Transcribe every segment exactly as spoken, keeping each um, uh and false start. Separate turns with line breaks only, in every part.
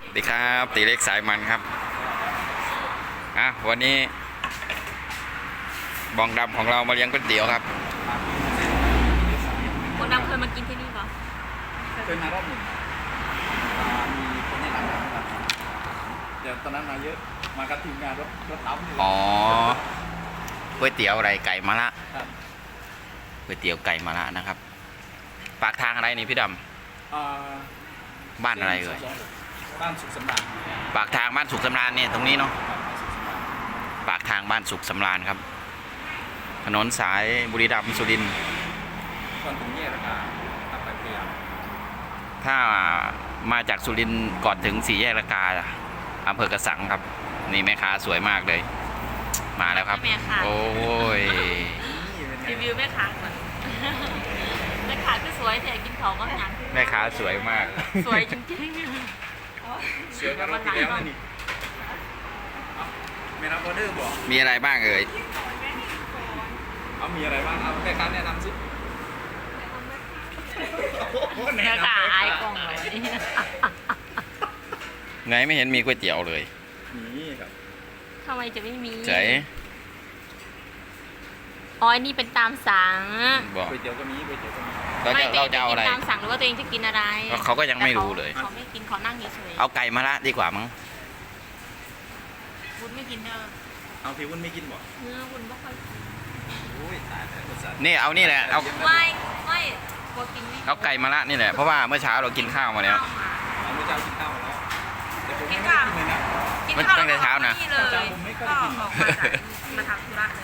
สวัสดีครับตีเล็กสายมันครับอ่ะวันนี้บองดำของเรามาเลี้ยงก๋วยเตี๋ยวครับ
บองดำเคยมากินที่นี่ปะ
เคยมารอบหนึ่งมีคนแนะนำนะครับเดี๋ยวตอนนั้นมาเยอะมากับทีมงานรถรถตั้มนี่
อ๋อก๋วยเตี๋ยวอะไรไก่มะระ
ครับ
ก๋วยเตี๋ยวไก่มะระนะครับปากทางอะไรนี่พี่ดำบ้านอะไรเอ่ย
บ้านสุขสำราญ
ปากทางบ้านสุขสำราญเนี่ยตรงนี้เนาะปากทางบ้านสุขสำราญครับถนนสายบุรีรัมย์สุรินทร์
ก่อนถึงแยกระกาตัดไปพยายาม
ถ้ามาจากสุรินทร์ก่อนถึงสี่แยกระกาอำเภอกระสังครับนี่แม่ค้าสวยมากเลยมาแล้วครับโอ้ย
รีวิวแม่ค้าก่อนแม่ค้าก็สวยแต่กินของก็หนัก
แม่ค้าสวยมาก
สวยจริงๆ
เสือก็รับไปแล้วนี่ไม่รับออเดอร์บอก
มีอะไรบ้างเอ่ย
เอามีอะไรบ้างเอาแม่ค้าแนะนำสิ
แม่ค้าอายกล่องเลย
ไงไม่เห็นมีก๋วยเตี๋ยวเลย
นี่ครับ
ทำไมจะไม่มี
เจ๋
อ๋อนี่เป็นตามสั่ง
ก๋วยเตี๋ยวก็มีก๋วยเตี๋ยวก็มี
เราจะเราจะเอาอะไร
ตามสั่งหรือว่าตัวเองจะกินอะไร
เขาก็ยังไม่รู้เลย
เขาไม่กินเขานั่งเฉย
ๆเอาไก่มะระดีกว่ามั้ง
วุ้นไม่กินเด้อ
เอาพี่วุ้นไม่กินบ่
เนื้อวุ้นไม่ค่อยกิน
โอ้ยตายแล้ว
นี่เอานี่แหละเอา
ไม่ไม่กลัวกินไม่
เอาไก่มะระนี่แหละเพราะว่าเมื่อเช้าเรากินข้าวมาแล้ว
เอาเมื่อเช้ากินข้าวมาแล้วแต่ผมไม่กินเลยนะ
กินข้าวตั้งแต่เช้านะ
เลยก็ออกมาจากมาทำธุระเลย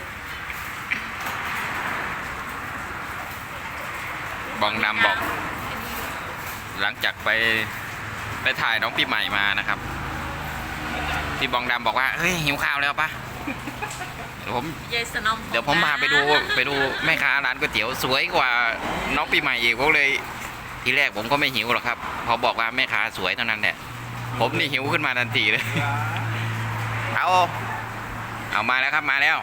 บองดำบอกหลังจากไปไปถ่ายน้องปีใหม่มานะครับพี่บองดำบอกว่าเฮ้ยหิวข้าวแล้วปะเดี๋ยวผมเดี๋ยวผมพาไปดูไปดูแม่ค้าร้านก๋วยเตี๋ยวสวยกว่าน้องปีใหม่อีกผมเลยทีแรกผมก็ไม่หิวหรอกครับพอบอกว่าแม่ค้าสวยเท่านั้นแหละผมนี่หิวขึ้นมาทันทีเลยเอาเอามาแล้วครับมาแล้ว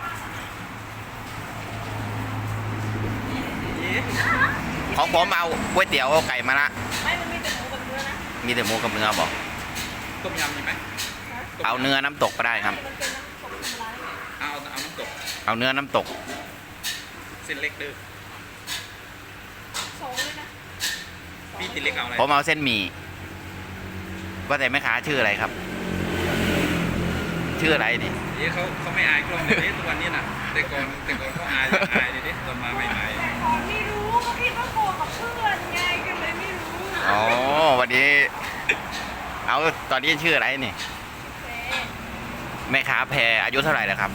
ของผมเอาก๋วยเตี๋ยวไก่มะระ
ไม่มันมีแต่หมูกับเนื้อนะ
มีแต่หมูกับเนื้อบอก
ต้มยำมีไหม
เอาเนื้อน้ำตกก็ได้ครับ
เอาเอาน้ำตก
เอาเนื้อน้ำตก
เส้นเล็กดื้อ
โซ่เลยนะ
พี่ติเล็กเอาอะไร
ผมเอาเส้นหมี่ว่าแต่แม่ค้าชื่ออะไรครับชื่ออะไรนี่
เดี๋ยวเขาเขาไม่อายกล้องเดี๋ยวนี้ทุกวันนี้น่ะแต่ก่อนแต่ก่อนเขาอายอายเดี๋ยวนี้ตอนมาใหม่ๆ
ไม่รู้เขาคิดว่าโกกับเพื่อนไงก็เลยไม่รู้
อ๋อวันนี้เอาตอนนี้ชื่ออะไรนี่แม่ค้าแพรอายุเท่าไหร่แล้วครับ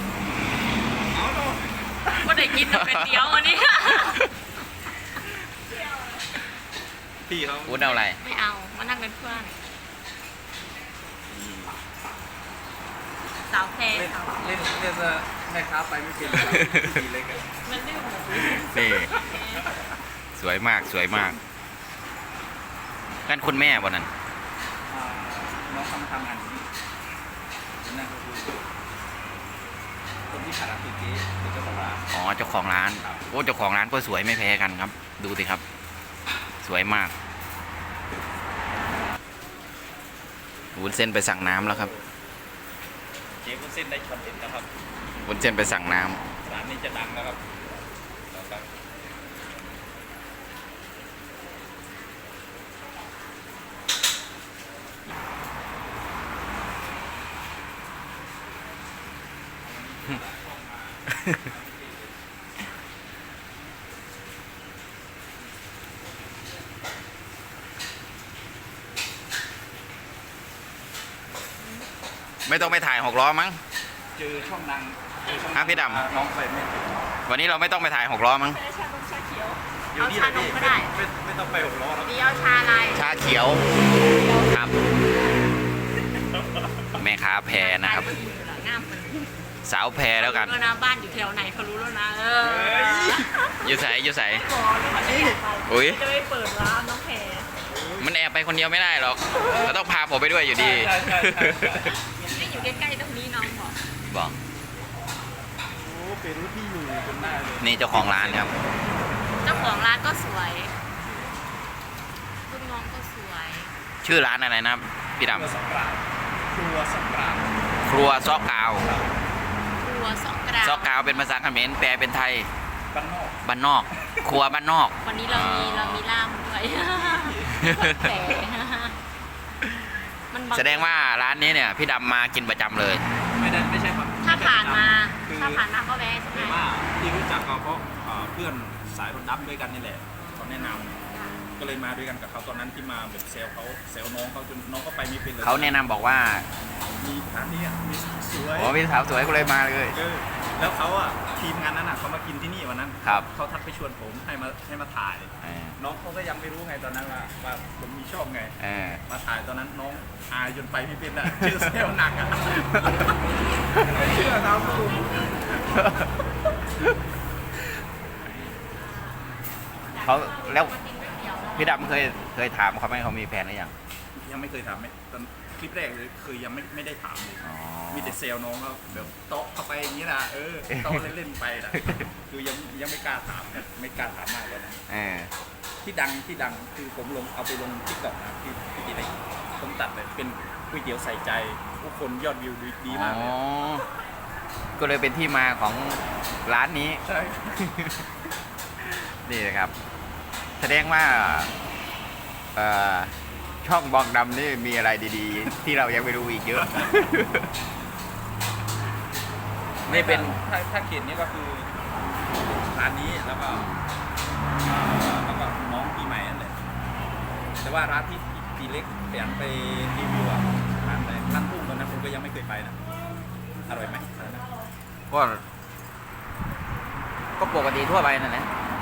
ว่าได้กินแต่เป็นเดียววันนี้
พี่เขา
วุ้นเอาอะไร
ไม่เอามานั่งเป็นเพื่อนสาวแพร
เล่นเล่นจะแม่ค้าไปไม่เป็นพี่เล็ก
มันไม่หมด
นี่สวยมากสวยมากนั่นคุณแม่วันนั้น
น้องทำทำงานนี้นั่นก็คือคนที่ขายร้านตุ๊กกี้เป็นเจ้าของร้าน
อ๋อเจ้าของร้านโอ้เจ้าของร้านก็สวยไม่แพ้กันครับดูสิครับสวยมากวุ้นเส้นไปสั่งน้ำแล้วครับ
เจ๊วุ้นเส้นได้คอนเทนต์นะครับ
วุ้นเส้นไปสั่งน้ำ
ร้านนี้จะดังแล้วครับ
ไม่ต้องไปถ่ายหกล้อมั้ง
เจอช่องดัง
ฮะพี่ด
ำน้องไปไม่
วันนี้เราไม่ต้องไปถ่ายหกล้อมั้ง
ชาดำชาเขียว
เอาชานมก็ได้ไม่ไม่ต้องไปหกล้อแล้ว
เดียวชาอะไร
ชาเขียวครับแม่ค้าแพรนะครับสาวแพรแล้วกัน
นะบ้านอยู่แถวไหนเขารู้แล้วนะเออ
อยู่ใส่อยู่ใส่อุ้ย
จะไปเปิดร้านน้องแพร
มันแอบไปคนเดียวไม่ได้หรอกเราต้องพาผมไปด้วยอยู่ดี
ไม่อยู่ใกล้ๆตรงนี้น้องบอก
บอก
โอ้เป็นรู้ที่อยู่จนได้เลย
นี่เจ้าของร้านครับ
เจ้าของร้านก็สวยลูกน้องก็สวย
ชื่อร้านอะไรนะพี่ด
ครัวสำราญครัวสำราญ
ำครัวซอกกาว
ครัวสองกราว
ซอกกาวเป็นภาษาเขมรแปลเป็นไทย
บ้านนอก
บ้านนอก ครัวบ้านนอก
วันนี้เรามีเรามีล่ามด้วยแปลมันบั
แสดงว่าร้านนี้เนี่ยพี่ดำมากินประจำเลย
ไม่ได้ไม่ใช่ครับ
ถ้าผ่านมา
คือ
ถ้าผ่านมาก็แวะใช่ไหม
คือว่าที่รู้จักเขาเพราะเอ่อเพื่อนสายรถดับด้วยกันนี่แหละเขาแนะนำก็เลยมาด้วยกันกับเขาตอนนั้นที่มาแบบเซลเขาเซลน้องเขาจนน้องก็ไปไม่เป็นเลย
เขาแนะนำบอกว่า
มีร้านนี้อ่ะมีสวย
โอ้พี่สาวสวยก็เลยมาเลย
เออแล้วเขาอ่ะทีมงานนั้นอ่ะเขามากินที่นี่วันนั้น
ครับ
เขาทักไปชวนผมให้มาให้มาถ่าย
เออ
น้องเขาก็ยังไม่รู้ไงตอนนั้นว่าว่าผมมีช่องไง
เออ
มาถ่ายตอนนั้นน้องอายจนไปไม่เป็นอ่ะ ชื่อเซลหนักอ่ะไม่เชื่อครับคุณ
เขาแล้วพี่ดำเคยเคยถามเขาไหมเขามีแฟนหรือยัง
ยังไม่เคยถามไหมตอนคลิปแรกเลยคือยังไม่ไม่ได้ถามเลย
อ๋อ
มีแต่เซลน้องเขาแบบโต๊ะเข้าไปอย่างนี้นะเออโต๊ะเล่นๆไปนะคือยังยังไม่กล้าถามนะไม่กล้าถามมากเลยนะ
เออ
ที่ดังที่ดังคือผมลงเอาไปลงทิกตอกนะที่ที่ดีเลยผมตัดเลยเป็นก๋วยเตี๋ยวใส่ใจผู้คนยอดวิวดีดีมากเลย
อ๋อก็เลยเป็นที่มาของร้านนี้
ใช่
นี่นะครับ แสดงว่าเอ่อช่องบองดำนี่มีอะไรดีๆ ที่เรายังไม่รู้อีกเยอะ นี่เป็น
ถ้าถ้าเขียนนี้ก็คือร้านนี้แล้วก็เอ่อแล้วก็น้องปีใหม่นั่นแหละแต่ว่าร้านที่ปีเล็กแผนไปรีวิวอะร้านไหนร้านทุ่งตอนนั้นผมก็ยังไม่เคยไปนะอร่อยไหมร้านนั้น
ก็ก็ปกติทั่วไปนั่นแหละ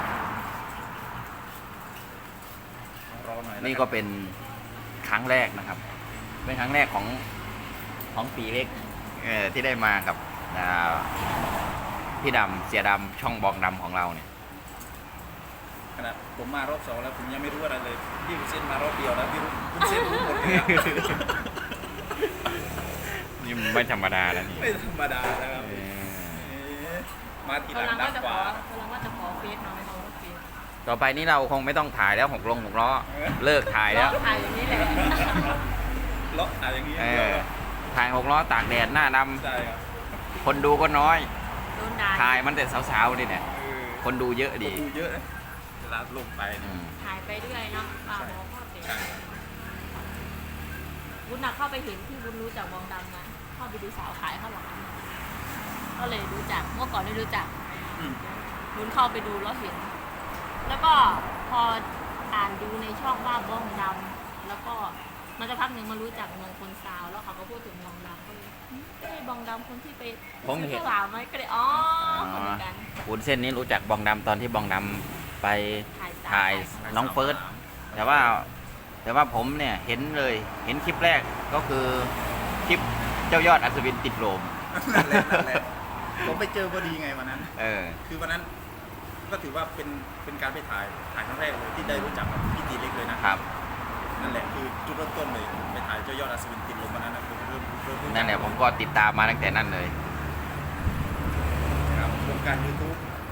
รอหน่อยแล้ว
นี่ก็เป็นครั้งแรกนะครับ เป็นครั้งแรกของของปีเล็กเออที่ได้มากับอ่าพี่ดำเสียดำช่องบองดำของเราเนี่ย
ขนาดผมมารอบสองแล้วผมยังไม่รู้อะไรเลยพี่วุ้นเส้นมารอบเดียวแล้วพี่วุ้นเส้นรู้หมดเลยอะ
นี่มันไม่ธรรมดาแล้วนี่
ไม่ธรรมดาแล้วครับ
เออ
เอ๊ะมาทีห
กำ
ลั
ลั
ง
ง
ดั
ว่าง จะ
ก
ขอ
ว่า
กำลังว่าจะขอเฟซน้อยเขาเฟซ
ต่อไปนี้เราคงไม่ต้องถ่ายแล้วหกลงหกล้อ
เออ
เลิกถ่ายแล้ว
ถ่ายอย่างนี้แหละ
เลาะอะไรอย่างนี้
เออถ่ายหกล้อตากแดดหน้าด
ใช่ครับ
ำคนดูก็น้อย
โดนด่า
ถ่ายมันแต่สาวๆดิเนี่ย
เออ
คนดูเยอะ
คน
ดี
ดูเยอะนะเวลาลงไป
อื
เนี่ย
ม
ถ่ายไปเรื่อยเนาะป่าหมอพ่อเสีย
ใช่
วุ้นน่ะเข้าไปเห็นที่วุ้นรู้จักวงดำนะเข้าไปดูสาวขายข้าวหลามก็เลยรู้จักเมื่อก่อนไม่รู้จัก
อืม
วุ้นเข้าไปดูแล้วเห็น แล้วก็พออ่านดูในช่องว่าบ้องดำแล้วก็มันจะพักหนึ่งมารู้จักเมืองคนซาวแล้วเขาก็พูดถึงบองดำก็เลยหึใช่บองดำคนที่ไป
ผมเห็น
ซื้อข้าวหลามไหมก็เลยอ๋อคนเดียวกัน
วุ้นเส้นนี้รู้จักบองดำตอนที่บองดำไป
ถ่ายสาว
ถ่ายน้องเฟิร์ส แต่ว่าแต่ว่าผมเนี่ยเห็นเลยเห็นคลิปแรกก็คือคลิปเจ้ายอดอัศวินติดโลม
นั่นแหละนั่นแหละผมไปเจอพอดีไงวันนั้น
เออ
คือวันนั้นก็ถือว่าเป็นเป็นการไปถ่ายถ่ายครั้งแรกเลยที่ได้รู้จักกับพี่ตีเล็กเลยนะครับ นั่นแหละคือจุดเริ่มต้นเลยไปถ่ายเจ้ายอดอัศวินติดลมวันนั้นนะผมเริ่มเริ่มรู้จัก
นั่นแหละผมก็ติดตามมาตั้งแต่นั้นเลย
ครับวงการยูทูบ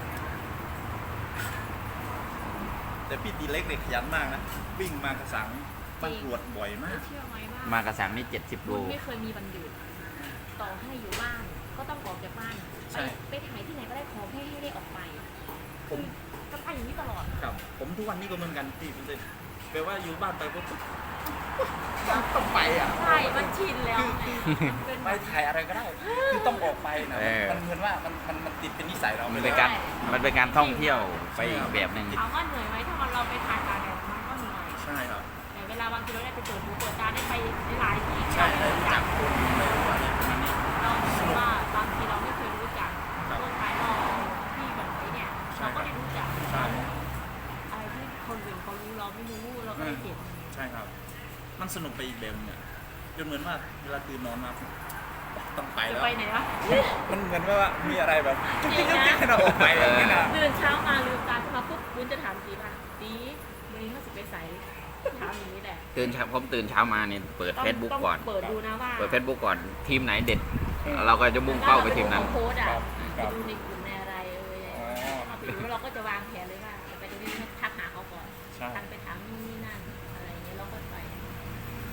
แต่พี่ตีเล็กเนี่ยขยันมากนะวิ่งมากระสังบ้านกรวดบ่อยมาก
เชื่อไหมว่าม
ากระสังนี่เจ็ดสิบโล
วุ้นไม่เคยมีวันหยุดต่อให้อยู่บ้านก็ต้องออกจากบ้าน
ใช่
ไปไปถ่ายที่ไหนก็ได้ขอแค่ให้ได้ออกไป
ผม
ก็ไปอย่างนี้ตลอด
ครับผมทุกวันนี้ก็เหมือนกันพี่คุณเซนแปลว่าอยู่บ้านไปปุ๊บต้องไปอ่ะ
ใช่มันชินแล้วไงมันเป็น
ไปถ่ายอะไรก็ได้ คือต้องออกไปนะ
เออ
มันเหมือนว่ามันมันมันติดเป็นนิสัยเรา
มัน
ไป
เป็น
แล้ว
การมันเป็นการท่องเที่ยวไปอีกแบบหนึ่ง
เอาว่าเหนื่อยไหมถ้ามันเราไปถ่ายตากแดดมันก็เหนื่อย
ใช่ครับ
แต่เวลาบางทีเราได้ไปเปิดหูเปิดตาได้ไปหลายที่
ใช่ได้รู้จักคนได้รู้อะไรประมาณนี้
เราคิดว่าบางทีเราไม่เคยรู้จัก
ครับ
เรื่องภายนอกที่แบบไอ้เนี่ย
ใช่
เราก็ได้รู้จัก
ใช่
อะไรที่คนอื่นเขารู้เราไม่รู้เราก็ได้เห็น
ใช่ครับ มันสนุกไปอีกแบบเนี่ยจนเหมือนว่าเวลาตื่นนอนมาต้องไป
จะ
แล้ว
ไปไหนวะ
มันเหมือนว่ามีอะไรแบบ
จริงนะ
ให้เราออกไปอย่างนี้นะ
ตื่นเช้ามาลืมตาขึ้นมาปุ๊บวุ้นจะถามจีว่าจีวันนี้เขาสิไปใส่ถามอย่างนี้แหละ
ตื่นเช้าผมตื่นเช้ามาเนี่ยเปิด
ต้อง
เฟซบุ๊ก
ต้อง
ก่อน
เปิดดูนะว่า
เปิดเฟซบุ๊กก่อนทีมไหนเด็ด เราก็จะมุ่งเป้าไปทีมนั้น
ถ้าเราไปดูเขาโพสต์อ่ะ
ครับ
ไปดูในกลุ่มในอะไรเอ่ย
อ๋อ
เราไปดูแล้วเราก็จะวางแผนเลยว่าจะไปตรงนี้ทักหาเขาก่อน
ใช่
ทักไปถามนู่นนี่นั่นอะไรอย่างเงี้ยเราก็ไป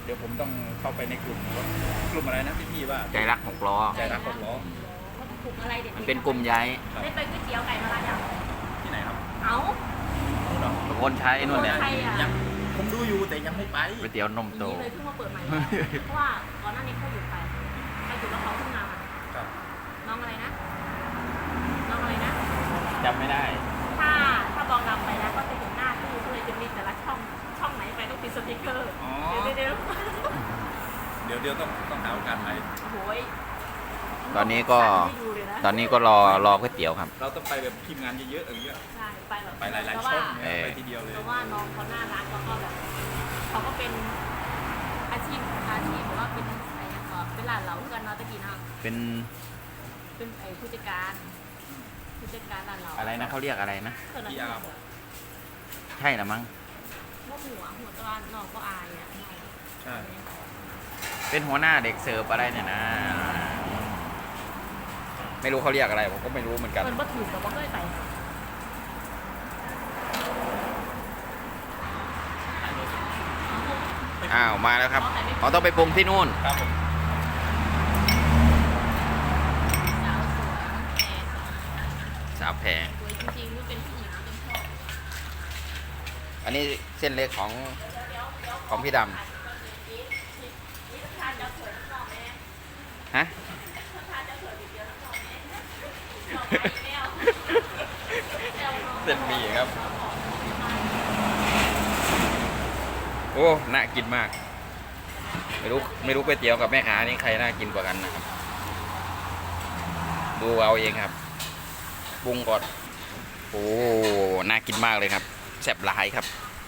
เดี๋ยวผมต้องเข้าไปในกลุ่มกลุ่มอะไรนะพี่พี่ว่า
ใจรักหกล้อ
ใจรักหกล้อ
เขากลุ่มอะไรเด็ด
มันเป็นกลุ่มย้าย
ได้ไปก๋วยเตี๋ยวไก่มาลาอย่าง
ที่ไหนครับ
เอ้า
นู่นเหรอ
ตะโกนใช้นู่นเนี่ย
ใครอ่ะ
ยังผมดูอยู่แต่ยังไม่ไป
ก๋วยเตี๋ยวนมโต
นี่เลยเพิ่งมาเปิดใหม่ เพราะว่าก่อนหน้านี้เขาหยุดไปไปหยุดแล้วเขาเพิ่งมา
ครับ
น้องอะไรนะ น้องอะไรนะ
จำไม่ได้
ถ้าถ้าบองดำไปแล้วก็จะเห็นหน้าตู้ก็เลยจะมีแต่ละช่องช่องไหนไปต้องติดสติ๊กเกอร์
อ๋อ
เดี๋ยวเดี๋ยว
เดี๋ยวเดี๋ยวต้องต้องหาโอกาสไป
โอ้โหย
ตอนนี้ก็
ให้ดูเลยนะ
ตอนนี้ก็รอรอก๋วยเตี๋ยวครับ
เราต้องไปแบบทีมงานเยอะๆอย่างเงี้ย
ใช่ไปแบบ
ไปหลาย
เพ
ๆ
ราะ
ช่
ว่า
องเนี่ย
เออ
ไปทีเดียวเลย
เพราะว่าน้องเขาน่ารักแล้วก็แบบเขาก็เป็นอาชีพอาชีพหรือว่าเป็นอะไรอย่างเงี้ยเป็นหลานเราเพื่อนเนาะตะกี้เนาะ
เป็น
เป็นไอ้ผู้จัดการผู้จัดการหลานเรา
อะไรนะเขาเรียกอะไรนะ
เท่านั้น
พี่อาร์
ใช่ละมั้ง
ว่าหัวหัวตะวันน้องก็อายอ่ะน้อง
ใช่
เป็นหัวหน้าเด็กเสิร์ฟอะไรเนี่ยนะ ไม่รู้เขาเรียกอะไรผมก็ไม่รู้เหมือนกัน
มันบ่ถูกแต่ว่าก็ไป
อ้าวมาแล้วครับเขาต้องไปปรุงที่นู่น
ครับผม
สาวสวยแต่
สาวแพง
สวยจริงๆนี่เป็นผู้หญิงที่ชอบ
อันนี้เส้นเล็กของของพี่ดำฮะ เส้นหมี่ครับ โอ้ น่ากินมาก ไม่รู้ไม่รู้ก๋วยเตี๋ยวกับแม่ค้านี่ใครน่ากินกว่ากันนะครับ ดูเอาเองครับปรุงก่อน โอ้ น่ากินมากเลยครับแซ่บหลายครับ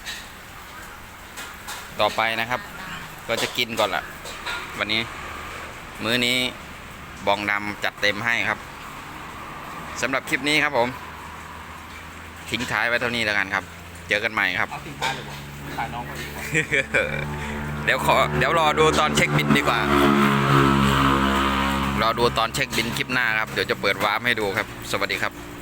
ต่อไปนะครับ ก็จะกินก่อนละวันนี้ มื้อนี้บองดำจัดเต็มให้ครับสำหรับคลิปนี้ครับผม ทิ้งท้ายไว้เท่านี้แล้วกันครับ เจอกันใหม่ครับ
เอาทิ้งท้ายเลยบอกถ่ายน้องเขาดีกว่า
เดี๋ยวขอเดี๋ยวรอดูตอนเช็คบินดีกว่า รอดูตอนเช็คบินคลิปหน้าครับ เดี๋ยวจะเปิดวาร์ปให้ดูครับ สวัสดีครับ